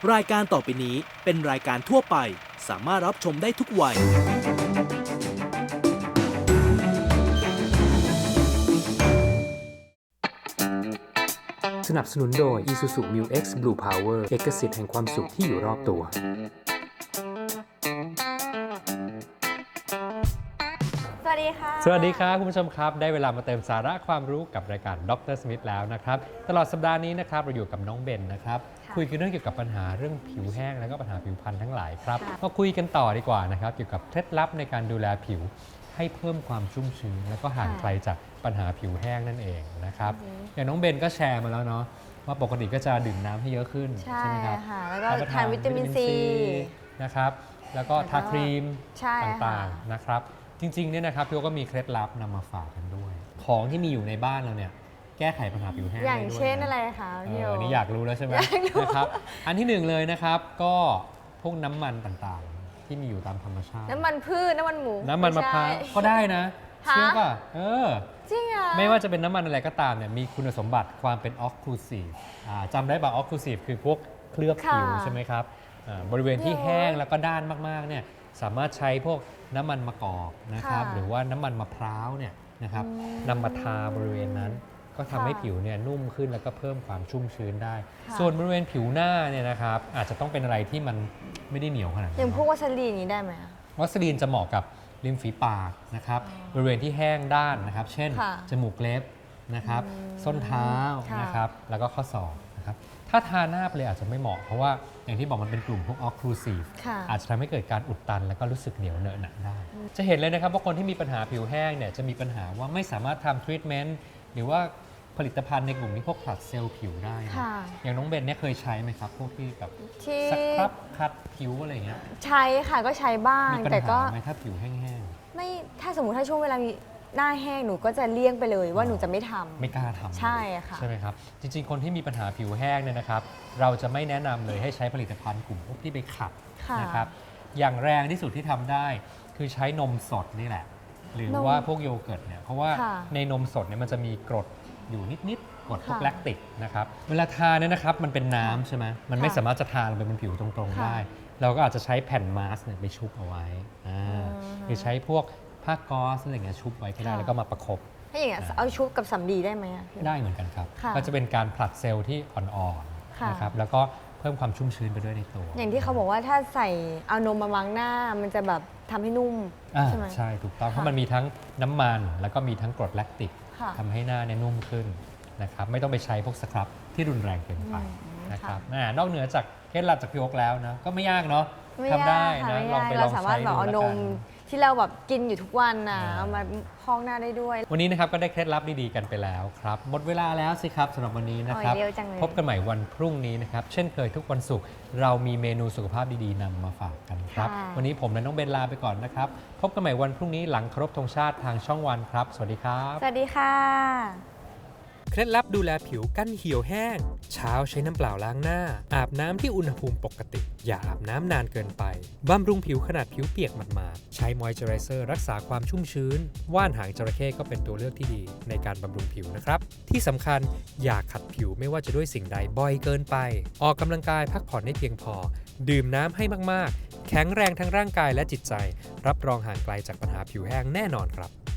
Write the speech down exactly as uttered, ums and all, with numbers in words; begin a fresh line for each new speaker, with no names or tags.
รายการต่อไปนี้เป็นรายการทั่วไปสามารถรับชมได้ทุกวัย
สนับสนุนโดย Isuzu Mu-X Blue Power เอกสิทธิ์แห่งความสุขที่อยู่รอบตัว
สวัสดีค่ะ
สวัสดีครับคุณผู้ชมครับได้เวลามาเติมสาระความรู้กับรายการดรสมิธแล้วนะครับตลอดสัปดาห์นี้นะครับเราอยู่กับน้องเบนนะครับคุยกันเรื่องเกี่ยวกับปัญหาเรื่องผิวแห้งแล้วก็ปัญหาผิวพรรณทั้งหลายครับมาคุยกันต่อดีกว่านะครับเกี่ยวกับเคล็ดลับในการดูแลผิวให้เพิ่มความชุ่มชื้นแล้วก็ห่างไกลจากปัญหาผิวแห้งนั่นเองนะครับอย่างน้องเบนก็แชร์มาแล้วเนาะว่าปกติก็จะดื่มน้ำให้เยอะขึ้น
ใช่
ใช่ไหมครับ
ค่ะแล้วก็ทานวิตามินซี
นะครับแล้วก็ทาครีม
ใช่
ต่างๆนะครับจริงๆเนี่ยนะครับพี่โอก็มีเคล็ดลับนำมาฝากกันด้วย ของที่มีอยู่ในบ้านเราเนี่ยแก้ไขปัญหาผิวแห้ง
อย่าง
ได้ด้วย
เช่น
นะ
อะไรคะ
เอ
พี่โอ
อนี่อยากรู้แล้วใช่ไหมนะครับอันที่หนึ่งเลยนะครับก็พวกน้ำมันต่างๆที่มีอยู่ตามธรรมชาติ
น้ำมันพืชน้ำมันหมู
น้ำมันมะพร้าว
ไใช่
ก็ได้นะ
ฮะ
เชื่อป่ะเออ
จริงอ่ะ
ไม่ว่าจะเป็นน้ำมันอะไรก็ตามเนี่ยมีคุณสมบัติความเป็นออกคลูซีฟจำได้ป่ะออกคลูซีฟคือพวกเคลือบผิวใช่ไหมครับอ่าบริเวณที่แห้งแล้วก็ด้านมากๆเนี่ยสามารถใช้พวกน้ำมันมะกอกนะครับหรือว่าน้ำมันมะพร้าวเนี่ยนะครับนำมาทาบริเวณนั้น ก็ทำให้ผิวเนี่ยนุ่มขึ้นแล้วก็เพิ่มความชุ่มชื้นได้ ส่วนบริเวณผิวหน้าเนี่ยนะครับอาจจะต้องเป็นอะไรที่มันไม่ได้เหนียวขนาดนั้น
อย่างพวกวัสลีนนี้ได้ไหมอะ
วัสลีนจะเหมาะกับริมฝีปากนะครับบริเวณที่แห้งด้านนะครับเช่น
ค่ะ
จมูกเล็บนะครับส้นเท้า
ค่ะ
นะครับแล้วก็ข้อศอกนะครับถ้าทาหน้าไปเลยอาจจะไม่เหมาะเพราะว่าอย่างที่บอกมันเป็นกลุ่มพวกออกคลูซีฟ
ค่ะ
อาจจะทำให้เกิดการอุดตันแล้วก็รู้สึกเหนียวเหนอะหนะได้ จะเห็นเลยนะครับว่าคนที่มีปัญหาผิวแห้งเนี่ยจะมีปัญหาว่าไม่สามารถทำทรีทเมนต์หรือว่าผลิตภัณฑ์ในกลุ่มที่พวกผลัดเซลล์ผิวได้นะ
ค่ะ
อย่างน้องเบนเนี่ยเคยใช้ไหมครับ พวกที่แบบ
ที่
สครับคัดผิวอะไรอย่างเงี้ย
ใช้ค่ะก็ใช้บ้าง
มีปัญ
แต่ก็
หาไหมถ้าผิวแห้ง
ไม่ถ้าสมมติถ้าช่วงเวลามีหน้าแห้งหนูก็จะเลี่ยงไปเลยว่าหนูจะไม่ทำ
ๆไม่กล้าทำ
ใช่ค่ะ
ใช่ไหมครับจริงๆ คนที่มีปัญหาผิวแห้งเนี่ยนะครับเราจะไม่แนะนำเลยให้ใช้ผลิตภัณฑ์กลุ่มพวกที่ไปขัด
ค่ะ
นะครับอย่างแรงที่สุดที่ทำได้คือใช้นมสดนี่แหละ หรือน
ม
ว่าพวกโยเกิร์ตเนี่ยเพราะว่า
ค่ะ
ในนมสดเนี่ยมันจะมีกรดอยู่นิดๆกรดพวก
ค่ะ
แลคติกนะครับเวลาทานเนี่ยนะครับมันเป็นน้ำใช่ไหมมันไม่
ค่ะ
สามารถจะทาลงไปบนผิวตรงๆ
ค่ะ
ได้ เราก็อาจจะใช้แผ่นมาสก์เนี่ยไปชุบเอาไว้อ่า
อืม
หรือใช้พวกผ้าก๊อซอะไรเงี้ยชุบไว้ก็ได้
ค่ะ
แล้วก็มาประคบ
ถ้าอย่างเงี้ยเอาชุบกับสำลีได้ไหมอะพี่โอ
ได้เหมือนกันครับ
ค่ะ
ก็จะเป็นการผลัดเซลล์ที่อ่อน
ค่ะ
ๆนะครับแล้วก็เพิ่มความชุ่มชื้นไปด้วยในตัว
อย่างที่เขาบอกว่าถ้าใส่เอานมมาวางหน้ามันจะแบบทำให้นุ่ม
อ่า
ใช่ไหม
ใช่ถูกต้อง
ค่ะ
เพราะมันมีทั้งน้ำมันแล้วก็มีทั้งกรดแลคติก
ค่ะ
ทำให้หน้าเนี่ยนุ่มขึ้นนะครับไม่ต้องไปใช้พวกสครับที่รุนแรงเกินไป
อืม
นะครับ
ค่ะ
อ่านอกเหนือจากเคล็ดลับจากพี่โอ๊คแล้วนะก็ไม่ยากเนาะ
ไม่
ทำได้
ยากค่ะ
นะ
ไม่
ลอง
ยาก
ไปล
เรา
อง
สามาร
ใช้
ถแบบ
ดู
เอา
แล้ว
น
กั
ม
น
ที่เราแบบกินอยู่ทุกวันน่ะ
อ่า
เอามาพอกหน้าได้ด้วย
วันนี้นะครับก็ได้เคล็ดลับดีๆกันไปแล้วครับหมดเวลาแล้วสิครับสำหรับวันนี้นะครับ
โอ้ยเร็วจังเลย
พบกันใหม่วันพรุ่งนี้นะครับเช่นเคยทุกวันศุกร์เรามีเมนูสุขภาพดีๆนำมาฝากกันครับ
ค่ะ
วันนี้ผมและน้องเบนลาไปก่อนนะครับพบกันใหม่วันพรุ่งนี้หลังเคารพธงชาติทางช่องวันครับสวัสดีครับ
สวัสดีค่ะ
เคล็ดลับดูแลผิวกั้นเหี่ยวแห้ง เช้าใช้น้ำเปล่าล้างหน้า อาบน้ำที่อุณหภูมิปกติ อย่าอาบน้ำนานเกินไป บำรุงผิวขนาดผิวเปียกหมาดๆใช้มอยเจอไรเซอร์รักษาความชุ่มชื้น ว่านหางจระเข้ก็เป็นตัวเลือกที่ดีในการบำรุงผิวนะครับ ที่สำคัญอย่าขัดผิวไม่ว่าจะด้วยสิ่งใดบ่อยเกินไป ออกกำลังกายพักผ่อนให้เพียงพอ ดื่มน้ำให้มากๆ แข็งแรงทั้งร่างกายและจิตใจ รับรองห่างไกลจากปัญหาผิวแห้งแน่นอนครับ